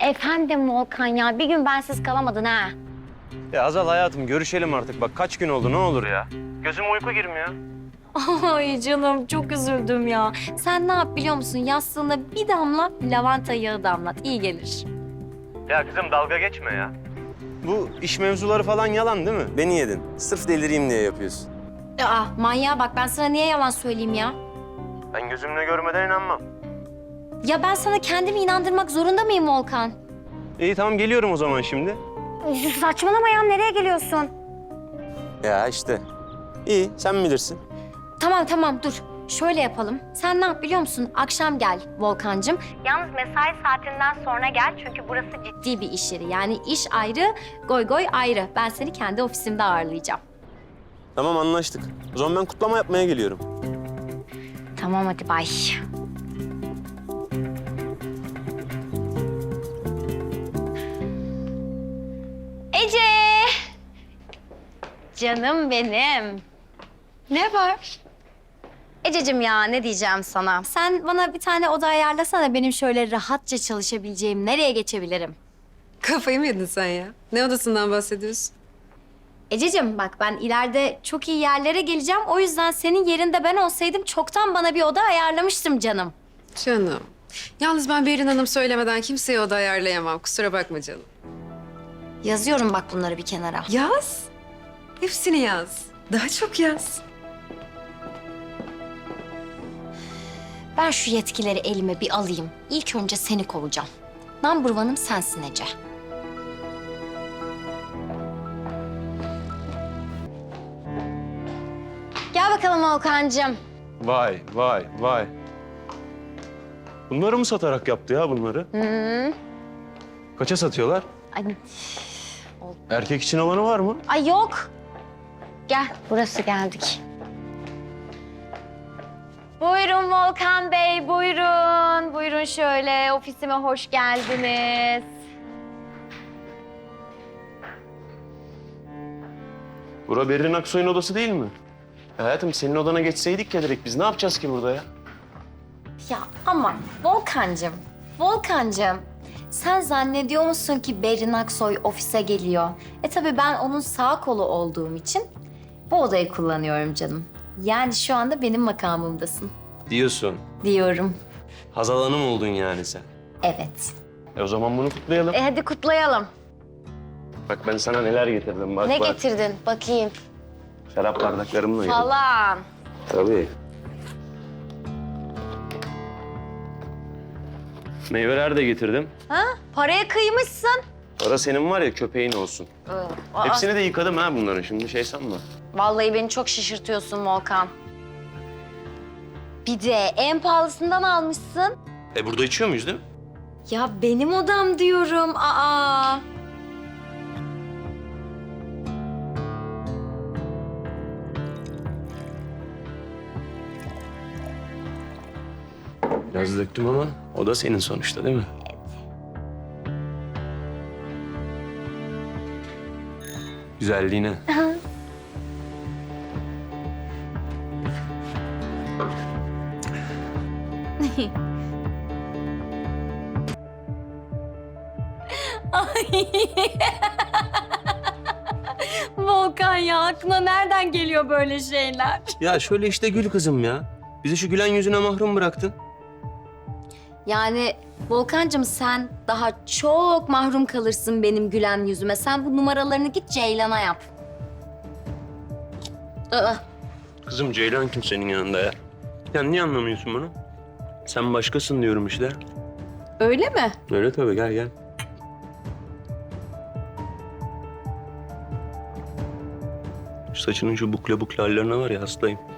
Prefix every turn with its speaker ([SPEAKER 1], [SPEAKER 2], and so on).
[SPEAKER 1] Efendim Volkan ya, bir gün bensiz kalamadın ha.
[SPEAKER 2] Ya Azal hayatım görüşelim artık. Bak kaç gün oldu ne olur ya. Gözüme uyku girmiyor.
[SPEAKER 1] Ay canım çok üzüldüm ya. Sen ne yap biliyor musun? Yastığına bir damla lavanta yağı damlat. İyi gelir.
[SPEAKER 2] Ya kızım dalga geçme ya. Bu iş mevzuları falan yalan değil mi? Beni yedin. Sırf delireyim diye yapıyorsun.
[SPEAKER 1] Aa manyağa bak, ben sana niye yalan söyleyeyim ya?
[SPEAKER 2] Ben gözümle görmeden inanmam.
[SPEAKER 1] Ya ben sana kendimi inandırmak zorunda mıyım Volkan?
[SPEAKER 2] İyi tamam geliyorum o zaman şimdi.
[SPEAKER 1] Saçmalama ya, nereye geliyorsun?
[SPEAKER 2] Ya işte. İyi sen bilirsin.
[SPEAKER 1] Tamam dur. Şöyle yapalım. Sen ne yap biliyor musun? Akşam gel Volkancığım. Yalnız mesai saatinden sonra gel çünkü burası ciddi bir iş yeri. Yani iş ayrı, goy goy ayrı. Ben seni kendi ofisimde ağırlayacağım.
[SPEAKER 2] Tamam anlaştık. O zaman ben kutlama yapmaya geliyorum.
[SPEAKER 1] Tamam hadi bay. Ece! Canım benim.
[SPEAKER 3] Ne var?
[SPEAKER 1] Ececiğim ya ne diyeceğim sana? Sen bana bir tane oda ayarlasana, benim şöyle rahatça çalışabileceğim. Nereye geçebilirim?
[SPEAKER 3] Kafayı mı yedin sen ya? Ne odasından bahsediyorsun?
[SPEAKER 1] Ececiğim bak, ben ileride çok iyi yerlere geleceğim. O yüzden senin yerinde ben olsaydım çoktan bana bir oda ayarlamıştım canım.
[SPEAKER 3] Canım. Yalnız ben Berin Hanım söylemeden kimseye oda ayarlayamam. Kusura bakma canım.
[SPEAKER 1] Yazıyorum bak bunları bir kenara.
[SPEAKER 3] Yaz. Hepsini yaz. Daha çok yaz.
[SPEAKER 1] Ben şu yetkileri elime bir alayım. İlk önce seni kovacağım. Number one'ım sensin Ece. Gel bakalım Volkan'cığım.
[SPEAKER 2] Vay vay vay. Bunları mı satarak yaptı ya bunları?
[SPEAKER 1] Hı.
[SPEAKER 2] Kaça satıyorlar?
[SPEAKER 1] Ay,
[SPEAKER 2] Erkek için olanı var mı?
[SPEAKER 1] ay yok. Gel, burası geldik. Buyurun Volkan Bey, buyurun. Buyurun şöyle, ofisime hoş geldiniz.
[SPEAKER 2] Bura Berrin Aksoy'un odası değil mi? Hayatım senin odana geçseydik ya direkt biz ne yapacağız ki burada ya?
[SPEAKER 1] Ya ama Volkancığım, sen zannediyor musun ki Berin Aksoy ofise geliyor? Tabii ben onun sağ kolu olduğum için bu odayı kullanıyorum canım. Yani şu anda benim makamımdasın
[SPEAKER 2] Diyorsun.
[SPEAKER 1] diyorum.
[SPEAKER 2] Hazal Hanım oldun yani sen.
[SPEAKER 1] Evet.
[SPEAKER 2] O zaman bunu kutlayalım.
[SPEAKER 1] Hadi kutlayalım.
[SPEAKER 2] Bak ben sana neler getirdim bak
[SPEAKER 1] Ne
[SPEAKER 2] bak.
[SPEAKER 1] getirdin? Bakayım.
[SPEAKER 2] Şarap bardaklarımla yedim.
[SPEAKER 1] Falan.
[SPEAKER 2] Tabii. Meyveler de getirdim.
[SPEAKER 1] Ha? Paraya kıymışsın.
[SPEAKER 2] Para senin var ya köpeğin olsun. Hepsini de yıkadım ha bunların şimdi şey sanma.
[SPEAKER 1] Vallahi beni çok şaşırtıyorsun Volkan. Bir de en pahalısından almışsın.
[SPEAKER 2] Burada içiyor muyuz değil mi?
[SPEAKER 1] Ya benim odam diyorum. Aa.
[SPEAKER 2] Biraz döktüm ama o da senin sonuçta değil mi? Güzelliğine.
[SPEAKER 1] Ay. Volkan ya, aklına nereden geliyor böyle şeyler?
[SPEAKER 2] Ya şöyle işte gül kızım ya. Bizi şu gülen yüzüne mahrum bıraktın.
[SPEAKER 1] Yani Volkancığım, sen daha çok mahrum kalırsın benim gülen yüzüme. Sen bu numaralarını git Ceylan'a yap. Aa,
[SPEAKER 2] Kızım Ceylan kim senin yanında ya? Ya niye anlamıyorsun bunu? Sen başkasın diyorum işte.
[SPEAKER 1] öyle mi?
[SPEAKER 2] Öyle tabii gel gel. Şu saçının şu bukle bukle hallerine var ya hastayım.